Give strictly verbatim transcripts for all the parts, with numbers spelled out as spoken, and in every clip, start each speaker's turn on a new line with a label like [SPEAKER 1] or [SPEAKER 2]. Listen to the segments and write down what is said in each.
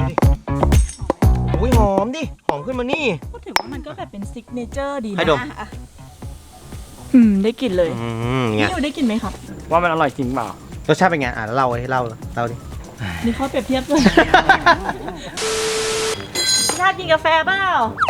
[SPEAKER 1] อุ้ยหอมดิหอมขึ้นมานี่
[SPEAKER 2] ก็ถือว่ามันก็แบบเป็นซิกเนเจอร์ดีนะ
[SPEAKER 1] ให้ดม
[SPEAKER 2] อืมได้กลิ่นเลย
[SPEAKER 1] อืมเงี้ย
[SPEAKER 2] นี่ได้กลิ่นไหมครับ
[SPEAKER 3] ว่ามันอร่อยจริงเปล่าร
[SPEAKER 1] สชาติเป็นไงอ่ะเล่าให้เล่าเล่าดิ
[SPEAKER 2] นี่เขาเปรียบเทียบด้วยชาติกินกาแฟเปล่า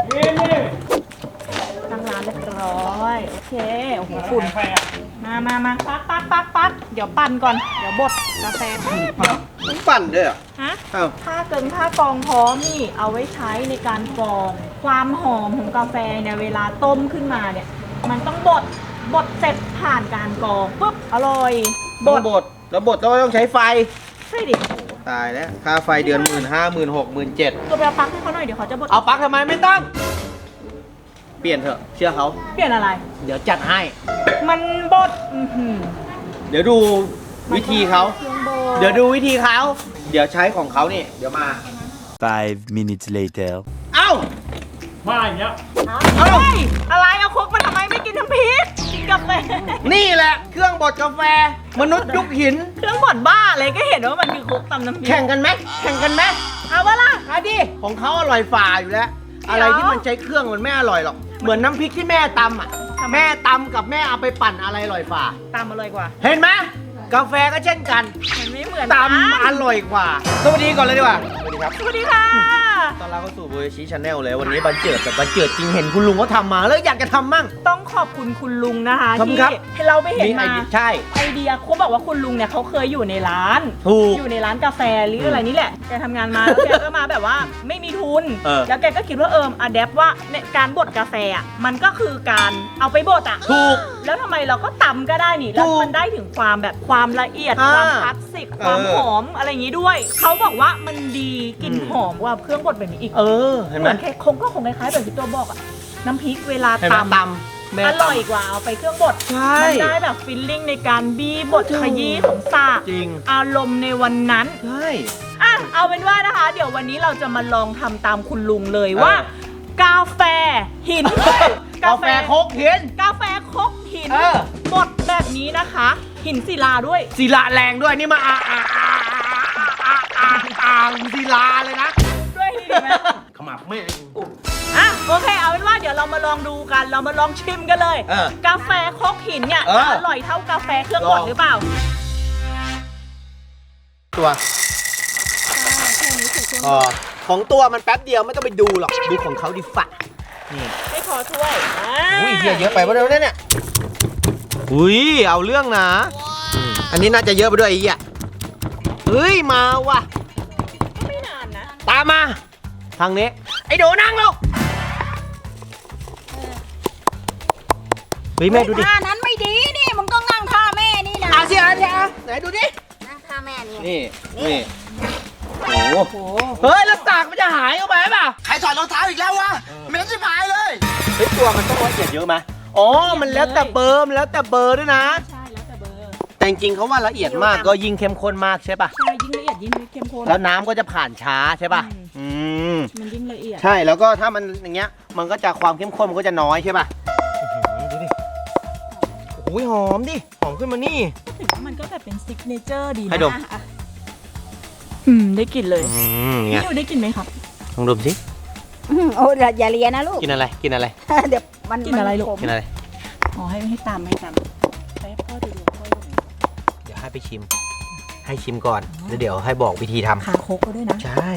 [SPEAKER 2] ตั้งร้านเรียบร้อยโอเคโอ้โหฝุ่นมามามาปักปักปักปักเดี๋ยวปั่นก่อนเดี๋ยวบดกาแฟ
[SPEAKER 1] มันปั่นด้วยอ่ะ
[SPEAKER 2] ฮะ
[SPEAKER 1] อ้าว
[SPEAKER 2] ถ้าเกินถ้ากรองพร้อมนี่เอาไว้ใช้ในการกรองความหอมของกาแฟเนี่ยเวลาต้มขึ้นมาเนี่ยมันต้องบดบดเสร็จผ่านการกรองปุ๊บอร่อย
[SPEAKER 1] บดบดแล้วบดแล้วต้องใช้ไฟ
[SPEAKER 2] ใช่ดิ
[SPEAKER 1] ตายแล้วค่าไฟเดือนหมื่นห้าหมื่นหกหมื่นเจ็ด
[SPEAKER 2] ตัวไปเอาปลั๊กให้เขาหน่อยเดี๋ยวเขาจะบด
[SPEAKER 1] เอาปลั๊กทำไมไม่ต้องเปลี่ยนเถอะเชื่อเขา
[SPEAKER 2] เปลี่ยนอะไร
[SPEAKER 1] เดี๋ยวจัดให้
[SPEAKER 2] มันบดอื้อหือ
[SPEAKER 1] เดี๋ยวดูวิธีเขาเดี๋ยวดูวิธีเขาเดี๋ยวใช้ของเขานี่เดี๋ยวมา
[SPEAKER 4] five minutes later
[SPEAKER 1] เอ้า
[SPEAKER 3] มาอย่างเงี้ย
[SPEAKER 2] เฮ้ยอะไรเอาครกมาทำไมไม่กินน้ำพริกกินกาแฟ
[SPEAKER 1] นี่แหละเครื่องบดกาแฟมนุษย์ยุคหิน
[SPEAKER 2] เครื่องบดบ้าอะไรก็เห็นว่ามันคือครกตำน้ำพริก
[SPEAKER 1] แข่งกันไหมแข่งกันไหม
[SPEAKER 2] เอาวะล่ะ
[SPEAKER 1] เอาดิของเขาอร่อยฝ่าอยู่แล้วอะไรที่มันใช้เครื่องมันไม่อร่อยหรอกเหมือนน้ำพริกที่แม่ตำอ่ะแม่ตำกับแม่เอาไปปั่นอะไรอร่อยฝ่า
[SPEAKER 2] ตำอร่อยกว่า
[SPEAKER 1] เห็นไหมกาแฟก็เช่นกัน
[SPEAKER 2] มันไม่เหมือน
[SPEAKER 1] ตำอร่อยกว่าสวัสดีก่อนเลยดีกว่าสวัสดีครับ
[SPEAKER 2] สวัสดีค่ะ
[SPEAKER 1] ตอนเราเข้าสู่โบยชิชาแนลเลยวันนี้บันเจิดแต่บันเจิดจริงเห็นคุณลุงเขาทำมาแล้วอยากจะทำมั่ง
[SPEAKER 2] ต้องขอบคุณคุณลุงนะคะที่ให้เราไปเห็นมา
[SPEAKER 1] ใช่
[SPEAKER 2] ไอเดียเขาบอกว่าคุณลุงเนี่ยเขาเคยอยู่ในร้านอยู่ในร้านกาแฟหรืออะไรนี่แหละแกทำงานมาแล้วแกก็มาแบบว่าไม่มีทุนแล้วแกก็คิดว่าเอิมอะแดปว่าในการบดกาแฟอ่ะมันก็คือการเอาไปบดอ่ะ
[SPEAKER 1] ถูก
[SPEAKER 2] แล้วทำไมเราก็ตำก็ได้นี่แล้วมันได้ถึงความแบบความละเอียดความคลาสสิกความหอมอะไรอย่างนี้ด้วยเขาบอกว่ามันดีกลิ่นหอมกว่าเครื่องบดแบบนี้อีก
[SPEAKER 1] เออเห็นไหม
[SPEAKER 2] คงก็คงคล้ายๆแบบที่ตัวบอกอ่ะน้ำพริกเวลาตำ
[SPEAKER 1] ตำ
[SPEAKER 2] อร่อยกว่าเอาไปเครื่องบดมันได้แบบฟิลลิ่งในการบี้บดขยี้ของซา
[SPEAKER 1] จริง
[SPEAKER 2] อารมณ์ในวันนั้น
[SPEAKER 1] ใช่
[SPEAKER 2] อ่ะเอาเป็นว่านะคะเดี๋ยววันนี้เราจะมาลองทำตามคุณลุงเลยว่ากาแฟหิน
[SPEAKER 1] กาแฟคกหิน
[SPEAKER 2] กาแฟคกหินบดแบบนี้นะคะหินศิลาด้วย
[SPEAKER 1] ศิลาแรงด้วยนี่มาอ่าอ่าอ่าอ่าอ่าอ่าศิลาเลยนะ
[SPEAKER 2] ด้วยดีไหม
[SPEAKER 1] ขมับไม่
[SPEAKER 2] อ่ะโอเคเอาเป็นว่าเดี๋ยวเรามาลองดูกันเรามาลองชิมกันเลยกาแฟคกหินเนี่ยอร่อยเท่ากาแฟเครื่องบดหรือเปล่า
[SPEAKER 1] ตัวอ๋อของตัวมันแป๊บเดียวไม่ต้องไปดูหรอกดูของเขาดิฝะนี่
[SPEAKER 2] ไม่พอถ้วย
[SPEAKER 1] อุ้ยเยอะเยอะไปวะเดี๋ยวนี้เนี่ยอุ้ยเอาเรื่องนะอันนี้น่าจะเยอะไปด้วยไอ้เหี้ยเฮ้ยมาว่ะ
[SPEAKER 2] ไม่นานนะ
[SPEAKER 1] ตามมาทางนี้ไอ้โดนั่งลงเฮ้ยแม่ดูดิ
[SPEAKER 2] ท่านั้นไม่ดีนี่มึงต้องนั่งท่าแม่นี่นะ
[SPEAKER 1] อาเซียอาเซียไหนดูดิ
[SPEAKER 2] นั่งท่าแม่นี่
[SPEAKER 1] นี่นี่โอ้โหเฮ้ยแล้วตากมันจะหายเข้าไปป่ะ
[SPEAKER 5] ใครถอดรองเท้าอีกแล้ววะไม่ต้องชิบหายเลย
[SPEAKER 1] เฮ้ยตัวมันต้องละเอียดเยอะไหมอ๋อมันแล้วแต่เบอร์มันแล้วแต่เบอร์ด้วยนะ
[SPEAKER 2] ใช่แล้วแต่เบอร์
[SPEAKER 1] แต่จริงๆเขาว่าละเอียดมากก็ยิ่งเข้มข้นมากใช่ป่ะ
[SPEAKER 2] ใช่ยิ่งละเอียดยิ่งเข้มข้น
[SPEAKER 1] แล้วน้ำก็จะผ่านช้าใช่ป่ะอืม
[SPEAKER 2] มันยิ่งละเอียด
[SPEAKER 1] ใช่แล้วก็ถ้ามันอย่างเงี้ยมันก็จะความเข้มข้นมันก็จะน้อยใช่ป่ะดูดิโอ้ยหอมดิหอมขึ้นมานี่
[SPEAKER 2] ก็ถือว่ามันก็แบบเป็นซิกเนเจอร์ดีนะ
[SPEAKER 1] ให้ดม
[SPEAKER 2] อืมได้กลิ่นเลย
[SPEAKER 1] นี่
[SPEAKER 2] อยู่ได้กลิ่นไหมครับ
[SPEAKER 1] ลองดมสิ
[SPEAKER 6] โอ้อย่าเลียนะลูก
[SPEAKER 1] กินอะไรกินอะไร
[SPEAKER 6] เดี๋ยวมัน
[SPEAKER 2] กินอะไรลูก
[SPEAKER 1] กินอะไร
[SPEAKER 2] อ๋อให้ให้ตามให้ตามให้พ่อดูดูพ่อดู
[SPEAKER 1] เดี๋ยวให้ไปชิมให้ชิมก่อนแล้วเดี๋ยวให้บอกวิธีทำ
[SPEAKER 2] ขาโคกก็ด้วยนะ
[SPEAKER 1] ใช่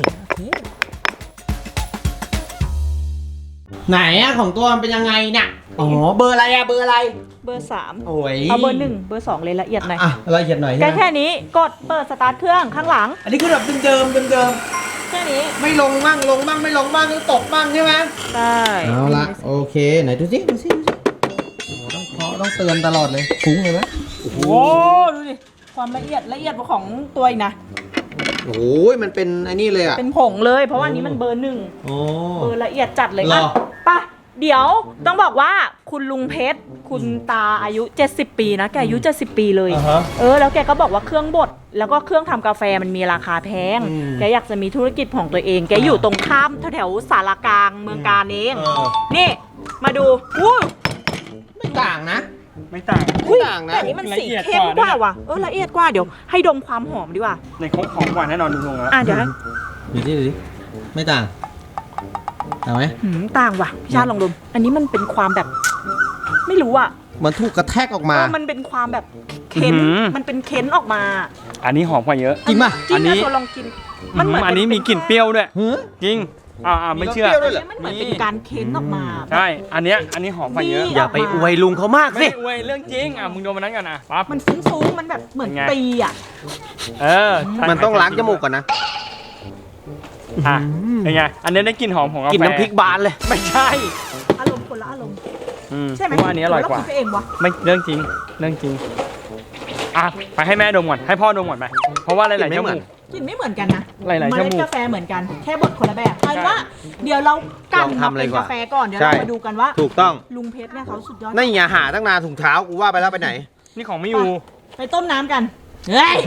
[SPEAKER 1] ไหนอะของตัวมันเป็นยังไงเนี่ยอ๋อเบอร์อะไรอะเบอร์อะไร
[SPEAKER 2] เบอร์สาม
[SPEAKER 1] โอ้ย
[SPEAKER 2] เอาเบอร์หนึ่งเบอร์สองเลยละเอียดหน่อย
[SPEAKER 1] อ่ะละเอียดหน่อย
[SPEAKER 2] แค่แค่นี้กดเปิดสตาร์ทเครื่องข้างหลัง
[SPEAKER 1] อันนี้คือแบบเดิมเดิมเดิม
[SPEAKER 2] แค่นี้
[SPEAKER 1] ไม่ลงมั่งลงมั่งไม่ลงมั่งตกมั่งใช่ไหม
[SPEAKER 2] ใช่
[SPEAKER 1] เอาละโอเคไหนดูสิดูสิดูสิโอ้ต้องเคาะต้องเตือนตลอดเลยฟุ้งเลยไหม
[SPEAKER 2] โอ้โหดูดิความละเอียดละเอียดของตัวอีกนะ
[SPEAKER 1] โอ้ยมันเป็นไอ้นี่เลยอะ
[SPEAKER 2] เป็นผงเลยเพราะว่านี้มันเบอร์หนึ่งเบอร์ละเอียดจัดเลยอ่ะไปเดี๋ยวต้องบอกว่าคุณลุงเพชรคุณตาอายุเจ็ดสิบปีนะแกอายุเจ็ดสิบปีเลยเออแล้วแกก็บอกว่าเครื่องบดแล้วก็เครื่องทำกาแฟมันมีราคาแพงแกอยากจะมีธุรกิจของตัวเองแกอยู่ตรงข้ามแถวๆสารกลางเมืองกาญเองนี่มาดูอู้
[SPEAKER 1] ไม่ต่างนะ
[SPEAKER 3] ไม่ต่าง
[SPEAKER 1] ไม่ต่างนะ
[SPEAKER 2] แต่นี้มันสีเข้มกว่าว่ะเออละเอียดกว่าเดี๋ยวให้ดมความหอมดีกว่า
[SPEAKER 3] ในครกหอมกว่าแน่นอนลุงๆแล้ว
[SPEAKER 2] อ่ะเดี๋ยว
[SPEAKER 1] ดูดิดูดิไม่ต่างต่างไหม
[SPEAKER 2] หืมต่างว่ะพี่ชาติลองดมอันนี้มันเป็นความแบบ ไม่รู้อ่ะ
[SPEAKER 1] มันถูกกระแทกออกมา
[SPEAKER 2] เออมันเป็นความแบบเค้น
[SPEAKER 3] อื้อหือ
[SPEAKER 2] มันเป็นเค้นออกมา
[SPEAKER 3] อันนี้หอมกว่าเยอะ
[SPEAKER 1] จริงป่ะ
[SPEAKER 2] จริง
[SPEAKER 3] อันนี้
[SPEAKER 2] นะตัวลองกิน มันเหมือน
[SPEAKER 3] อันนี้มีกลิ่นเปรี้ยวด้วย
[SPEAKER 1] เฮ้ย
[SPEAKER 3] จริง อ่าอ่าไม่เชื่อ
[SPEAKER 1] มีรสเปรี้ยวด้วยเหรอ
[SPEAKER 2] มันเหมือนเป็นการเค้นออกมา
[SPEAKER 3] ใช่ อันเนี้ย อันนี้หอมกว่าเยอะ
[SPEAKER 2] นี่
[SPEAKER 1] อย่าไปอวยลุงเขามาก
[SPEAKER 3] ไม่
[SPEAKER 1] สิ
[SPEAKER 3] ได้อวยเรื่องจริง อ่ะ มึงดูมันนั้นกันนะปั๊บ
[SPEAKER 2] มันฟุ้งๆมันแบบเหมือน
[SPEAKER 3] เป็นไง
[SPEAKER 2] ตีอ่ะ
[SPEAKER 3] เออ
[SPEAKER 1] มันต้องล้างจมูกก่อนนะ
[SPEAKER 3] อ่ะเป็นไง อันนี้ได้กลิ่นหอมของกาแฟ
[SPEAKER 1] กินน้ำพริกบานเลย
[SPEAKER 3] ไม่ใช่
[SPEAKER 2] อารมณ์คนละอารมณ์
[SPEAKER 3] อืม
[SPEAKER 2] ใช่ไหม
[SPEAKER 3] กูว่าอันนี้อร่อยกว่า
[SPEAKER 2] เคิดไปเองวะ
[SPEAKER 3] ไม่เรื่องจริง เรื่องจริง อ่ะ ไปให้แม่ดมก่อน ให้พ่อดมก่อนไป เพราะว่าหลายๆ
[SPEAKER 1] กลิ่
[SPEAKER 3] จ
[SPEAKER 1] นไม่เหมื
[SPEAKER 3] มู
[SPEAKER 1] อน
[SPEAKER 3] ก
[SPEAKER 2] กลิ่นไม่เหมือนกันนะ
[SPEAKER 3] หลายๆ
[SPEAKER 2] เม
[SPEAKER 3] จ
[SPEAKER 2] ล็ด
[SPEAKER 3] มูก
[SPEAKER 2] กาแฟเหมือนกัน แค่บดคนละแบบเอาว่า เดี๋ยวเรากัน
[SPEAKER 1] ลอง
[SPEAKER 2] มา
[SPEAKER 1] ทำเลย
[SPEAKER 2] เป็น
[SPEAKER 1] ดีกว่า
[SPEAKER 2] กาแฟก่อน เดี๋ยว
[SPEAKER 1] ใช่
[SPEAKER 2] เรามาดูกันว่า
[SPEAKER 1] ถูกต้อง
[SPEAKER 2] ลุงเพชรเนี่ยเขาสุดยอด
[SPEAKER 1] นี่อย่าหาตั้งนานถุงเท้ากูว่าไปแล้วไปไหน
[SPEAKER 3] นี่ของไม่อยู่
[SPEAKER 2] ไปต้มน้ำกัน เฮ้ย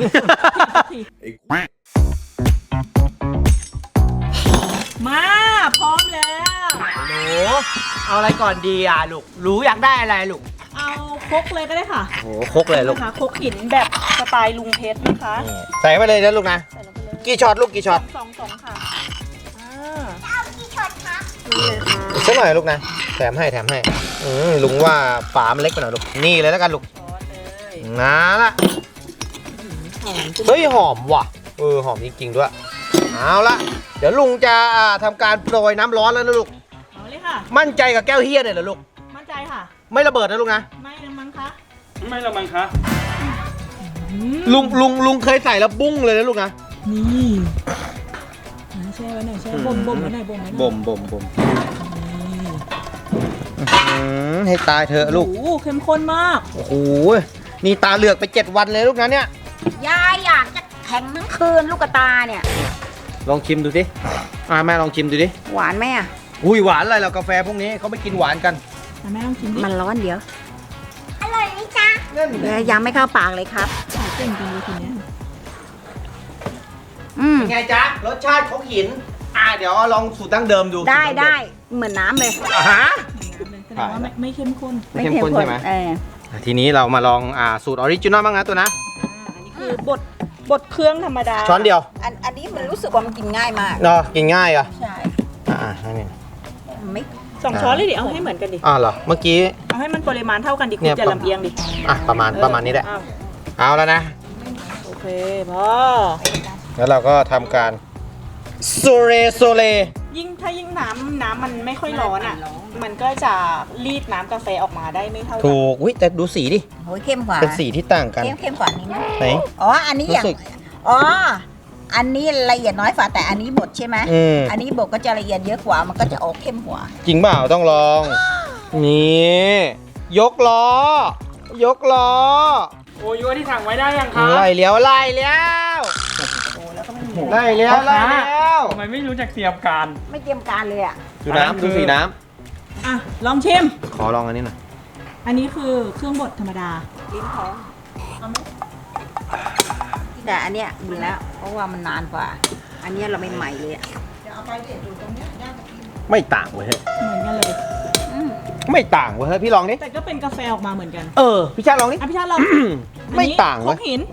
[SPEAKER 2] มาพร้อมแล้ว
[SPEAKER 1] หนูเอาอะไรก่อนดีอ่ะลูกรู้อยากได้อะไรลูก
[SPEAKER 2] เอาครกเลยก็ได้ค่ะ
[SPEAKER 1] โอ้โหครกเลยลูก
[SPEAKER 2] นะคะครกหินแบบสไตล์ลุงเพชรนะคะ
[SPEAKER 1] นี่ใส่ไปเลยนะลูกนะ
[SPEAKER 2] ใส่ลงไปเลย
[SPEAKER 1] กี่ช็อตลูกกี่ช็อต
[SPEAKER 2] สองสองค่ะอ่า
[SPEAKER 1] อีกสักหน่อยลูกนะแถมให้แถมให้อืมลุงว่าฝามันเล็กไปหน่อยลูกนี่เลยแล้วกันลูก
[SPEAKER 2] ช้อนเลย
[SPEAKER 1] นะละเฮ้ยหอมว่ะเออหอมจริงๆด้วยเอาละเดี๋ยวลุงจะอ่าทำการโปรยน้ำร้อนแล้วนะลูก
[SPEAKER 2] เอาเลยค่ะ
[SPEAKER 1] มั่นใจกับแก้วเฮียเนี่ยเหรอลูก
[SPEAKER 2] มั่นใจค่ะ
[SPEAKER 1] ไม่ระเบิดนะลูกนะ
[SPEAKER 2] ไม่นะมั้งคะ
[SPEAKER 3] ไม่ละมังคะ
[SPEAKER 2] อืม
[SPEAKER 1] ลุงลุงลุงเคยใส่แล้วบุ้งเลยนะลูกนะ
[SPEAKER 2] นี่อ่าแช่ไว้หน่อยแช่บ่มบ่มไว้หน่อยบ่มไว้หน่อย
[SPEAKER 1] บ่มบ่มบ่มให้ตายเถอะลูก
[SPEAKER 2] โอ้โหเข้มข้นมาก
[SPEAKER 1] โอ้โหนี่ตาเหลือกไปเจ็ดวันเลยลูกนะเนี่ย
[SPEAKER 6] ยายอยากจะแข็งทั้งคืนลูกกระตาเนี่ย
[SPEAKER 1] ลองชิมดูสิอ่าแม่ลองชิมดูดิ
[SPEAKER 6] หวานไหมอ่ะ
[SPEAKER 1] อุ้ยหวานอะไรเรากาแฟพวกนี้เขาไม่กินหวานกัน
[SPEAKER 2] อ่ะแม่ต้องชิมดิ
[SPEAKER 6] มันร้อนเดี๋ยว
[SPEAKER 1] นั่น
[SPEAKER 6] เดี๋ยวยังไม่เข้าปากเลยครับ
[SPEAKER 2] ขายเก่งจริงเลยทีเนี้ย
[SPEAKER 6] อืม
[SPEAKER 1] เป็นไงจ๊ะรสชาติของหิน อ่าเดี๋ยวลองสูตรดั้งเดิมดู
[SPEAKER 6] ได้
[SPEAKER 1] สูตรดั้งเม
[SPEAKER 6] ได้เหมือนน้ำเลย
[SPEAKER 1] อ่าฮะ
[SPEAKER 2] แสดงว่าไม่ไม่เข้มข้น
[SPEAKER 1] ไม่เข้มข้นใช่ไหม
[SPEAKER 6] เออ
[SPEAKER 1] ทีนี้เรามาลองอ่าสูตรออริจินอลบ้างนะตัวนะ
[SPEAKER 2] อ่าอันนี้คือบดบดเครื่องธรรมดา
[SPEAKER 1] ช้อนเดียว
[SPEAKER 6] อันอันนี้มันรู้สึกว่ามันกินง่ายมาก
[SPEAKER 1] เนาะกินง่ายอ่ะ
[SPEAKER 6] ใช่
[SPEAKER 1] อ่าให้นี่
[SPEAKER 6] ไม่
[SPEAKER 2] สองช้อนเลยดิเอาให้เหมือนกันดิ
[SPEAKER 1] อ่าเหรอเมื่อกี้
[SPEAKER 2] เอาให้มันปริมาณเท่ากันดิ
[SPEAKER 1] เนี่
[SPEAKER 2] คุณ
[SPEAKER 1] ย
[SPEAKER 2] จะลำเอียงดิ
[SPEAKER 1] อ่ะประมาณประมาณนี้แหละ
[SPEAKER 2] อ้าว
[SPEAKER 1] เอาแล้วนะ
[SPEAKER 2] โอเคพอ
[SPEAKER 1] แล้วเราก็ทำการโซเรโซเล
[SPEAKER 2] ยิ่งถ้ายิ่งน้ำน้ำมันไม่ค่อยร้อนอ่ะ มันก็จะรีดน้ำกาแฟออกมาได้ไม่เท่ากัน
[SPEAKER 1] ถูกอุ้ยแต่ดูสีดิ
[SPEAKER 6] โหยเข้มกว่า
[SPEAKER 1] เป็นสีที่ต่างกัน
[SPEAKER 6] เข้มเข้มกว่านี้ไหม
[SPEAKER 1] ไหน
[SPEAKER 6] อ๋ออันนี้อย่าง
[SPEAKER 1] รู้สึก
[SPEAKER 6] อ๋ออันนี้ละเอียดน้อยกว่าแต่อันนี้บดใช่ไหม
[SPEAKER 1] อืม
[SPEAKER 6] อันนี้บดก็จะละเอียดเยอะกว่ามันก็จะออกเข้มกว่า
[SPEAKER 1] จริงเปล่าต้องลอง นี่ยกล้อ ยกล้อ
[SPEAKER 3] โอ้ยที่สั่งไว้ได้ยังคะ
[SPEAKER 1] ไล่เลี้ยวไล่เลี้ยวไล่เลี้ยวไล่เลี้ยว
[SPEAKER 3] ทำไมไม่รู้จักเตรียมการ
[SPEAKER 6] ไม่เตรียมการเลยอ่ะ
[SPEAKER 1] ดูน้ำดูสีน้
[SPEAKER 2] อ่ะลองชิม
[SPEAKER 1] ำขอลองอันนี้หน่อย
[SPEAKER 2] อันนี้คือเครื่องบดธรรมดา
[SPEAKER 6] ลิ้นท้องแต่อันเนี้ยบุญแล้ว เพราะว่ามันนานกว่า อันเนี้ยเราไม่ใหม่เลยอะ
[SPEAKER 1] ไม่ต่างเว้ยเฮ้ย
[SPEAKER 2] เหมือนกันเลย
[SPEAKER 6] อืม
[SPEAKER 1] ไม่ต่างเว้ยเฮ้ยพี่ลองดิ
[SPEAKER 2] แต่ก็เป็นกาแฟออกมาเหมือนกัน
[SPEAKER 1] เออพี่ชาติลองดิ
[SPEAKER 2] อ่ะพี่ชาติลอง
[SPEAKER 1] ไม่ต่าง
[SPEAKER 2] อัน
[SPEAKER 1] เว้
[SPEAKER 2] นี้
[SPEAKER 1] ย
[SPEAKER 2] ครกหิน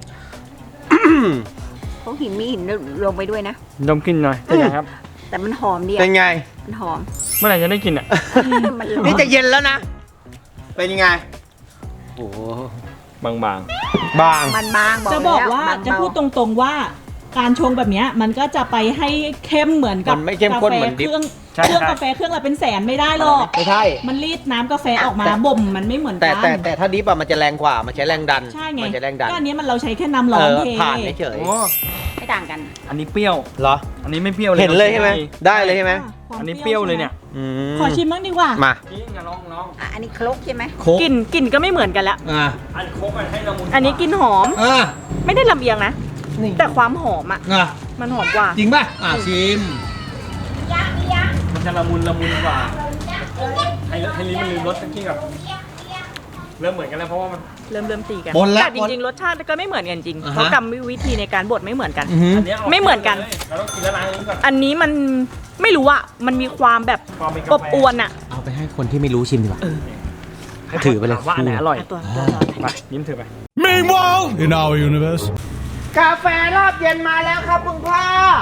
[SPEAKER 6] เขาหินมีหินลงไปด้วยนะ
[SPEAKER 3] ดมกลินหน่อยเป็นไงครับ
[SPEAKER 6] แต่มันหอมดี
[SPEAKER 1] เป็น
[SPEAKER 6] อะ
[SPEAKER 1] ไง
[SPEAKER 6] มันหอม
[SPEAKER 3] เมื่อไหร่จะได้กินอ่ะ
[SPEAKER 6] มันร้อ
[SPEAKER 1] นี่
[SPEAKER 6] น
[SPEAKER 1] จะเย็นแล้วนะ เป็นยังไง
[SPEAKER 3] โอ้บาง
[SPEAKER 1] บาง
[SPEAKER 6] มันบางบอก
[SPEAKER 2] จะบอก
[SPEAKER 6] แล้ว
[SPEAKER 2] ว่า
[SPEAKER 6] บง
[SPEAKER 2] จะ
[SPEAKER 6] เบ
[SPEAKER 2] พูดตรงๆว่าการชงแบบเนี้ยมันก็จะไปให้เข้มเหมือนกับ
[SPEAKER 1] มันไม่เข้มข้น
[SPEAKER 2] กาแฟ
[SPEAKER 1] เหมือนดิบ
[SPEAKER 2] เครื่อง
[SPEAKER 3] ใช่
[SPEAKER 2] เครื่อง
[SPEAKER 3] ใช่
[SPEAKER 2] กาแฟเครื่องละเป็นแสนไม่ได้หรอก
[SPEAKER 1] ไม่ใช่
[SPEAKER 2] มันรีดน้ำกาแฟออกมา
[SPEAKER 1] แต่
[SPEAKER 2] บ่มมันไม่เหมือน
[SPEAKER 1] แต่
[SPEAKER 2] กัน
[SPEAKER 1] แต่แต่ถ้าดิฟอะมันจะแรงกว่า มันใช้แรงดัน
[SPEAKER 2] ใช่ไง
[SPEAKER 1] มัใช้แรงดัน
[SPEAKER 2] ก็อันนี้มันเราใช้แค่น้ำร้
[SPEAKER 1] เอ
[SPEAKER 2] อน
[SPEAKER 1] อ
[SPEAKER 2] เท
[SPEAKER 1] ผ่านเฉย
[SPEAKER 3] โอ้
[SPEAKER 6] ไม่ต่างกัน
[SPEAKER 3] อันนี้เปรี้ยว
[SPEAKER 1] ๆเหรอ
[SPEAKER 3] อันนี้ไม่เปรี้ยวเลย
[SPEAKER 1] เห็นเลยใช่ไหม ได้เลยใช่ไหม
[SPEAKER 2] ความ
[SPEAKER 3] อันนี้เปรี้ยวเลยเนี่ย
[SPEAKER 1] อืม
[SPEAKER 2] ขอชิมบ้างดีกว่า
[SPEAKER 1] มา
[SPEAKER 3] จริงอ่ะลองลอง
[SPEAKER 6] อ่ะอันนี้ครกใช่ไหม
[SPEAKER 1] โค้ก
[SPEAKER 2] กลิ่นกลิ่นก็ไม่เหมือนกันแล้ว
[SPEAKER 1] อ่า
[SPEAKER 3] อันโคกอันให้ละมุน
[SPEAKER 2] อันนี้กลิ่นหอม
[SPEAKER 1] อ่า
[SPEAKER 2] ไม่ได้ลำเอียงนะ
[SPEAKER 1] นี่
[SPEAKER 2] แต่ความหอมอ่ะ
[SPEAKER 1] อ่ะ
[SPEAKER 2] มันหอมกว่า
[SPEAKER 1] จริงป่ะ อ่าชิม
[SPEAKER 3] มันจะละมุนละมุนกว่าให้ให้ลิ้นมันลืมรสตะกี้แบบเริ่มเหมือนกันแล้วเพราะว่ามัน
[SPEAKER 2] เริ่มเริ่มตีกัน
[SPEAKER 1] บนแล้ว
[SPEAKER 2] แต่จริงๆรสชาติก็ไม่เหมือนกันจริง
[SPEAKER 1] อ่าฮะ
[SPEAKER 2] เพราะกรรมวิธีในการบดไม่เหมือนกัน
[SPEAKER 1] อือหือ
[SPEAKER 3] อันเนี้ย
[SPEAKER 2] ไม่เหมือนกัน
[SPEAKER 3] เราต้องกินละลายลิ้นก่อน
[SPEAKER 2] อันนี้มันไม่รู้อะมันมีความแบบ
[SPEAKER 3] ความเป็นกา
[SPEAKER 2] อบ
[SPEAKER 3] แฟ
[SPEAKER 2] อวนอะ
[SPEAKER 1] เอาไปให้คนที่ไม่รู้ชิมดีกว่าถือไปเลย
[SPEAKER 3] ว่าอันไหนอร่อย
[SPEAKER 2] อ่ะตัวตัวตัว
[SPEAKER 3] ไปยิ้มถือไป
[SPEAKER 7] Meanwhile, in our universe.
[SPEAKER 1] กาแฟรอบเย็นมาแล้วครับคุณพ่อ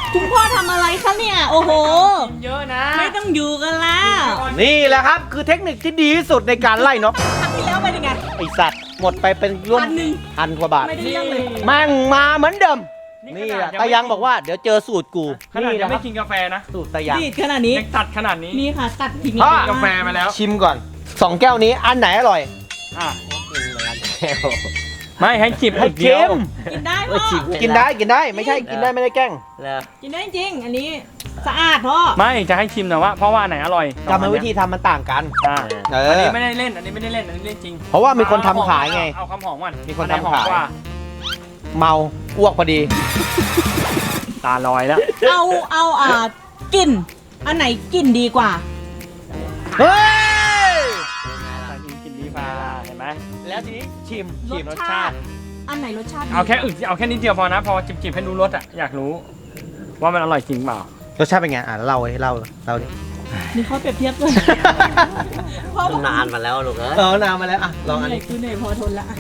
[SPEAKER 2] คุณพ่อทำอะไรคะเนี่ย โอ้โห
[SPEAKER 3] เยอะนะ
[SPEAKER 2] ไม่ต้องอยู่กันแล้ว
[SPEAKER 1] นี่แหละครับคือเทคนิคที่ดีที่สุดในการไล่นก
[SPEAKER 2] ครั้งที่แล้วเป็นยังไง
[SPEAKER 1] ไอสัตว์หมดไปเป็นร่วม
[SPEAKER 2] พันหนึ่ง
[SPEAKER 1] พันกว่าบาท
[SPEAKER 2] ไม่ได้เรื่องเลย
[SPEAKER 1] แม่งมาเหมือนเดิม
[SPEAKER 3] นี่
[SPEAKER 1] นี่
[SPEAKER 3] ข
[SPEAKER 1] แห
[SPEAKER 3] นา
[SPEAKER 1] ละ
[SPEAKER 3] ดยัง
[SPEAKER 1] ตา
[SPEAKER 3] ไม่
[SPEAKER 1] ยังบอกว่าเดี๋ยวเจอสูตรกู
[SPEAKER 3] ขนาด
[SPEAKER 1] นี่
[SPEAKER 3] ยัง
[SPEAKER 1] นะค
[SPEAKER 3] ไม่
[SPEAKER 1] รับ
[SPEAKER 3] กินกาแฟนะ
[SPEAKER 1] สูตรตายัง
[SPEAKER 2] ดีดขนาดนี้
[SPEAKER 3] ยังตัดขนาดนี้
[SPEAKER 2] นี่ค่ะ ตัดทิ้ง
[SPEAKER 1] พ่อ
[SPEAKER 3] กาแฟมาแล้ว
[SPEAKER 1] ชิมก่อนสองแก้วนี้อันไหนอร่อย
[SPEAKER 3] อ่ะ
[SPEAKER 1] แก้ว
[SPEAKER 3] ไม่ให้จิบ
[SPEAKER 1] ให้
[SPEAKER 3] เดียว
[SPEAKER 1] ชิม
[SPEAKER 2] กินได้พ่อ
[SPEAKER 1] กินได้กินได้ไม่ใช่กินได้ไม่ได้แกล้ง
[SPEAKER 2] กินได้จริง อันนี้สะอาดพ่อ
[SPEAKER 3] ไม่จะให้ชิมแต่ว่าเพราะว่าไหนอร่อย
[SPEAKER 1] กรรมวิธีทำมันต่างกัน
[SPEAKER 3] อ่า
[SPEAKER 1] เอ
[SPEAKER 3] อัน
[SPEAKER 1] อ
[SPEAKER 3] นี้ไม่ได้เล่นอันนี้ไม่ได้เล่นอันนี้เล่นจริง
[SPEAKER 1] เพราะว่ามีคนทำขายไง
[SPEAKER 3] เอาคำหอมก่อน
[SPEAKER 1] มีคน
[SPEAKER 3] อัไห
[SPEAKER 1] ทำขาย
[SPEAKER 3] หอมกว่
[SPEAKER 1] เมาอ้วกพอดี
[SPEAKER 3] ตาลอยแล้ว
[SPEAKER 2] เอาเอาอ่ากลิ่น อันไหนกลิ่นดีกว่า
[SPEAKER 1] เฮ้ย
[SPEAKER 3] กินดีฟ้าเห็นไหม
[SPEAKER 1] แล้วทีนี้ชิม
[SPEAKER 2] ร
[SPEAKER 1] ชิม
[SPEAKER 2] สชาติ อันไหนรสชาติดี
[SPEAKER 3] เอาแค่อึกเอาแค่นิดเดียวพอนะพอจิบๆให้รู้รสอ่ะอยากรู้ ว่ามันอร่อยจริงเปล่าร
[SPEAKER 1] สชาติเป็นไงอ่ะเล่าให้เล่าเล่าดิ
[SPEAKER 2] นี่เขาเปรียบเทียบเลยพ่อบอก
[SPEAKER 5] นานมาแล้วลูกเอ้ย
[SPEAKER 1] เออนานมาแล้วอ่ะลองอัน
[SPEAKER 2] เหนื่อย
[SPEAKER 1] นี้
[SPEAKER 2] คือเหนื่อยพอทนละอ่ะ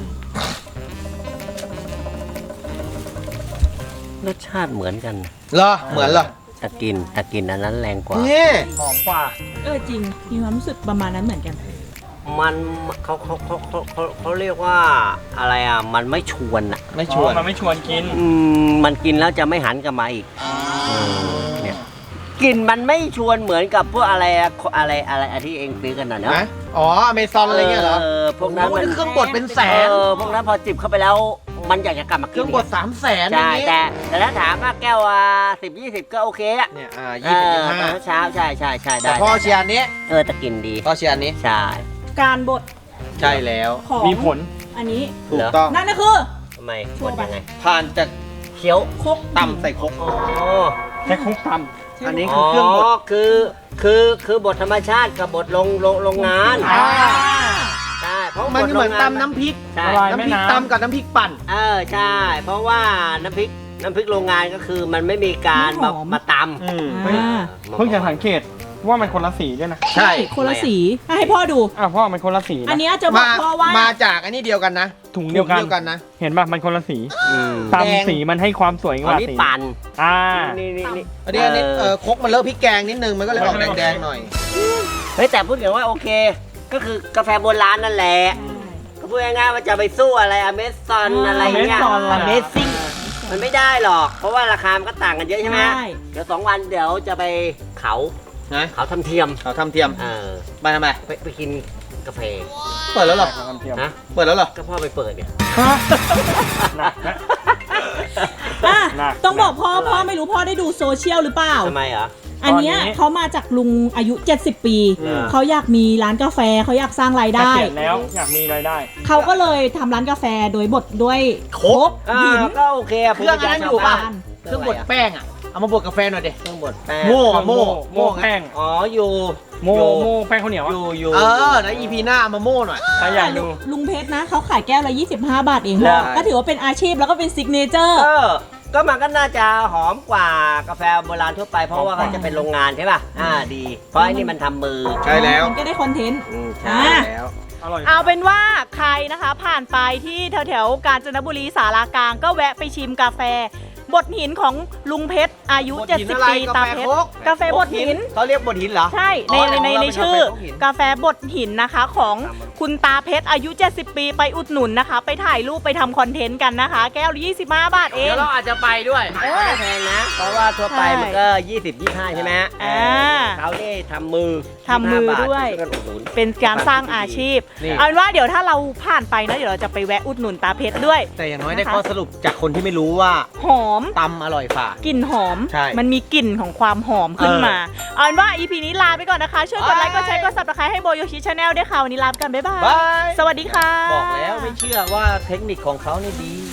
[SPEAKER 5] รสชาติเหมือนกัน
[SPEAKER 1] เหรอเหมือนเหรอ
[SPEAKER 5] แต่กลินแต่กลินอันนั้นแรงกว่า
[SPEAKER 1] นี่
[SPEAKER 3] หอมกว่า
[SPEAKER 2] เออจริง มีความรู้สึกประมาณนั้นเหมือนกัน
[SPEAKER 5] มันเขาเขาเขาเขาเขาเขาเรียกว่าอะไรอ่ะ มันไม่ชวนอ่ะ
[SPEAKER 1] ไม่ชวน
[SPEAKER 3] อ๋อมันไม่ชวนกิน
[SPEAKER 5] อืมมันกินแล้วจะไม่หันกลับมาอีกเนี่ยกลิ่นมันไม่ชวนเหมือนกับพวกอะไรอะอะไรอะไรอะที่เองซื้อกันน่ะเนาะ
[SPEAKER 1] นะอ๋ออเมซอนอะไรเงี้ยเหรอ
[SPEAKER 5] เออพวกนั้น
[SPEAKER 1] โอ้
[SPEAKER 5] มัน
[SPEAKER 1] โหเครื่องบดเป็นแสน
[SPEAKER 5] เออพวกนั้นพอจิบเข้าไปแล้ว มันอยากจะกลับมา
[SPEAKER 1] เค
[SPEAKER 5] กิน
[SPEAKER 1] รื่องบดสามแสนอ
[SPEAKER 5] ใช่
[SPEAKER 1] ย่างนี้
[SPEAKER 5] แต่แต่ถ้าถามว่าแก้วอ่ะสิบยี่สิบก็โอเคอ่ะ
[SPEAKER 1] เนี่ยอ่า
[SPEAKER 5] เอ
[SPEAKER 1] ยี่สิบ
[SPEAKER 5] อ
[SPEAKER 1] ยี่
[SPEAKER 5] ต
[SPEAKER 1] ห้า
[SPEAKER 5] อนเช้าใช่ใช่ใช่
[SPEAKER 1] แต่
[SPEAKER 5] ได้
[SPEAKER 1] พ่อเชียร์อันนี้
[SPEAKER 5] เออแต่กลินดี
[SPEAKER 1] พ่อเชียร์อันนี้
[SPEAKER 5] ใช่
[SPEAKER 2] การบด
[SPEAKER 1] ใช่แล้ว
[SPEAKER 2] ของ
[SPEAKER 3] มีผล
[SPEAKER 2] อันนี้
[SPEAKER 1] ถูกต้อง
[SPEAKER 2] นั่นก็คือ
[SPEAKER 5] ทำไม
[SPEAKER 2] ชัวร์
[SPEAKER 5] กดยังไง
[SPEAKER 1] ผ่านจาก
[SPEAKER 5] เคี้ยว
[SPEAKER 2] คก
[SPEAKER 1] ตำใส่ครก
[SPEAKER 5] อ๋อ
[SPEAKER 3] แค่คลุกต
[SPEAKER 1] อันนี้คือเครื่องบด
[SPEAKER 5] คือคือคือบทธรรมชาติกับบทลงลงโรงงาน
[SPEAKER 1] อ่า
[SPEAKER 5] ใช่เพราะ
[SPEAKER 1] มัน
[SPEAKER 5] บท
[SPEAKER 1] เหมือน
[SPEAKER 5] โรงงา
[SPEAKER 1] ตำน้ำพริก
[SPEAKER 5] ใช่
[SPEAKER 3] ละลาย
[SPEAKER 1] น้ำ
[SPEAKER 3] แม่
[SPEAKER 1] พริก
[SPEAKER 3] น้ำ
[SPEAKER 1] ตำกับน้ำพริกปั่น
[SPEAKER 5] เออใช่ เพราะว่าน้ำพริกน้ำพริกโรงงานก็คือมันไม่มีการมามาตำ
[SPEAKER 1] อืม
[SPEAKER 2] อ่า
[SPEAKER 3] เพิ่งจะสังเกตว่ามันคนละสีด้วยนะ
[SPEAKER 1] ใช่
[SPEAKER 2] คนละสีอ่ะให้พ่อดู
[SPEAKER 3] อ้าวพ่อมันคนละสี
[SPEAKER 2] อัน
[SPEAKER 3] นะ
[SPEAKER 2] เนี้ยจะบอก
[SPEAKER 1] มา
[SPEAKER 2] พ่อว่า
[SPEAKER 1] มาจากอันนี้เดียวกันนะ
[SPEAKER 3] ถุงเดียวกัน
[SPEAKER 1] ถุงกันนะ
[SPEAKER 3] เห็นป่ะมันคนละสี
[SPEAKER 5] อืม
[SPEAKER 3] ตาม
[SPEAKER 1] แดง
[SPEAKER 3] สีมันให้ความสวยก
[SPEAKER 5] อัน
[SPEAKER 3] ว่า
[SPEAKER 5] นี้
[SPEAKER 3] สี
[SPEAKER 5] ปั่น
[SPEAKER 3] อ่า
[SPEAKER 5] นี่นี่นี่
[SPEAKER 1] อันนี้อันนี้เออครกมันเลอะพริกแกงนิดนึงมันก็เลยออกแดงๆหน่อย
[SPEAKER 5] เฮ้ยแต่พูดถึงว่าโอเค ก็คือกาแฟโบราณนั่นแหละก็พูดง่ายๆว่าจะไปสู้อะไรอเมซอนอะไรเงี้ย
[SPEAKER 3] Amazon อะไร
[SPEAKER 5] อเมซิ่งมันไม่ได้หรอก เพราะว่าราคามันก็ต่างกันเยอะใช่ไหม
[SPEAKER 2] ใช่
[SPEAKER 5] เดี๋ยวสองวันเดี๋ยวจะไปเขา
[SPEAKER 1] นะ
[SPEAKER 5] เขาทำเทียม
[SPEAKER 1] เขาทำเทียม
[SPEAKER 5] เออ
[SPEAKER 1] ไปทำไม
[SPEAKER 5] ไปไปกินกาแฟ
[SPEAKER 1] เปิดแล้วเหรอ
[SPEAKER 3] ความเทียม
[SPEAKER 5] นะ
[SPEAKER 1] เปิดแล้วเหรอ
[SPEAKER 5] ก็พ่อไปเปิดเนี่ย
[SPEAKER 3] หนักนะ
[SPEAKER 2] อ่ะ
[SPEAKER 3] หนัก
[SPEAKER 2] ต้องบอกพ่อพ่อไม่รู้พ่อได้ดูโซเชียลหรือเปล่า
[SPEAKER 5] ทำไมเหรอ
[SPEAKER 2] อันเนี้ย
[SPEAKER 3] ตอนนี้
[SPEAKER 2] เขามาจากลุงอายุ เจ็ดสิบ ปี
[SPEAKER 5] อืม
[SPEAKER 2] เขาอยากมีร้านกาแฟเขาอยากสร้างราย
[SPEAKER 3] เก
[SPEAKER 2] ได้
[SPEAKER 3] ษียณแล้วอยากมีรายได้
[SPEAKER 2] เขาก็เลยทำร้านกาแฟโดยบดด้วย
[SPEAKER 1] ครก
[SPEAKER 5] อ่า
[SPEAKER 2] หิน
[SPEAKER 5] ก็โอเคอะ
[SPEAKER 1] เครื่องอันนั้นอยู่ป่ะ
[SPEAKER 5] เค
[SPEAKER 1] เค
[SPEAKER 5] รื่
[SPEAKER 1] รื่
[SPEAKER 5] อ
[SPEAKER 1] อง ง
[SPEAKER 5] บบ ด
[SPEAKER 1] ด
[SPEAKER 5] แป้ง
[SPEAKER 1] แป้งอ่ะ เอามาบดกาแฟหน่อยดิ
[SPEAKER 5] เครื่องบดแป้ง
[SPEAKER 1] โม่อะโม่
[SPEAKER 3] โม่แป้ง
[SPEAKER 5] อ๋ออยู่
[SPEAKER 3] โม่
[SPEAKER 5] อยู่
[SPEAKER 3] โม่แป้งข้าวเหนียว
[SPEAKER 5] อ
[SPEAKER 3] อะ
[SPEAKER 5] ยู่อยู่
[SPEAKER 1] เออแล้วอีพีหน้าเอามาโม่หน่อย
[SPEAKER 3] ใครอยากดู
[SPEAKER 2] ลุงเพชรนะเขาขายแก้วละยี่สิบห้าบาทเอง
[SPEAKER 1] ใช่
[SPEAKER 2] ก็ถือว่าเป็นอาชีพแล้วก็เป็นซิกเนเจอร์
[SPEAKER 5] เออ ก็มันก็น่าจะหอมกว่ากาแฟโบราณทั่วไป เพราะว่าเขาจะเป็นโรงงานใช่ป่ะ อ่าดี เพราะไอ้นี่มันทำมือ
[SPEAKER 1] ใช่แล้ว
[SPEAKER 2] มันก็ได้คอนเทนต์
[SPEAKER 5] อืมใช่
[SPEAKER 2] อ่า
[SPEAKER 1] แล้ว
[SPEAKER 3] อร่อย
[SPEAKER 2] เอาเป็นว่าใครนะคะผ่านไปที่แถวแถวๆกาญจนบุรีสารากลางก็แวะไปชิมกาแฟบดหินของลุงเพชรอายุ
[SPEAKER 1] บด
[SPEAKER 2] เจ็ด
[SPEAKER 1] หิน
[SPEAKER 2] สิบ
[SPEAKER 1] อะไร
[SPEAKER 2] ปีตาเพชร
[SPEAKER 1] กาแฟครก
[SPEAKER 2] กาแฟบดหิน
[SPEAKER 1] เขาเรียกบดหินเหรอ
[SPEAKER 2] ใช่ใน
[SPEAKER 1] อ๋อ
[SPEAKER 2] ในใน
[SPEAKER 1] เรา
[SPEAKER 2] ใน
[SPEAKER 1] เป็น
[SPEAKER 2] ชื่อ
[SPEAKER 1] กาแฟบดหิน
[SPEAKER 2] กาแฟบดหินนะคะของคุณตาเพชรอายุ เจ็ดสิบ ปีไปอุดหนุนนะคะ ไปถ่ายรูปไปทำคอนเทนต์กันนะคะ แก้วละยี่สิบห้าบาทเอง
[SPEAKER 1] เดี๋ยวเราอาจจะไปด้วย
[SPEAKER 5] ไม่ได้แพงนะ เพราะว่าทั่วไป
[SPEAKER 2] ใช่
[SPEAKER 5] มันก็ ยี่สิบ ยี่สิบห้า ใช่ไหม
[SPEAKER 2] อ่า
[SPEAKER 5] เขานี่ทำมือ
[SPEAKER 2] ทำมือ
[SPEAKER 5] ยี่สิบห้าบาท
[SPEAKER 2] ด้วย
[SPEAKER 5] ช่กันอุดหนุน
[SPEAKER 2] เป็นการสร้างอาชีพ
[SPEAKER 1] นี่
[SPEAKER 2] เอาเป็นว่าเดี๋ยวถ้าเราผ่านไปนะเดี๋ยวเราจะไปแวะอุดหนุนตาเพชรด้วย
[SPEAKER 1] แต่อย่างน้อยได้
[SPEAKER 2] นะคะ
[SPEAKER 1] ข้อสรุปจากคนที่ไม่รู้ว่า
[SPEAKER 2] หอม
[SPEAKER 1] ตำอร่อยฝ่าก
[SPEAKER 2] ลิ่นหอม
[SPEAKER 1] ใช่
[SPEAKER 2] มันมีกลิ่นของความหอมขึ้นมา เอาเป็นว่า อี พี นี้ลาไปก่อนนะคะ ช่วยกดไลค์ กดแชร์ กด ซับสไครบ์ ให้โบโยชิชาแนลด้วยค่ะ วันนี้ลาไปกัน บ๊ายบาย
[SPEAKER 1] บาย
[SPEAKER 2] สวัสดีค่ะ
[SPEAKER 1] บอกแล้วไม่เชื่อว่าเทคนิคของเขานี่ดี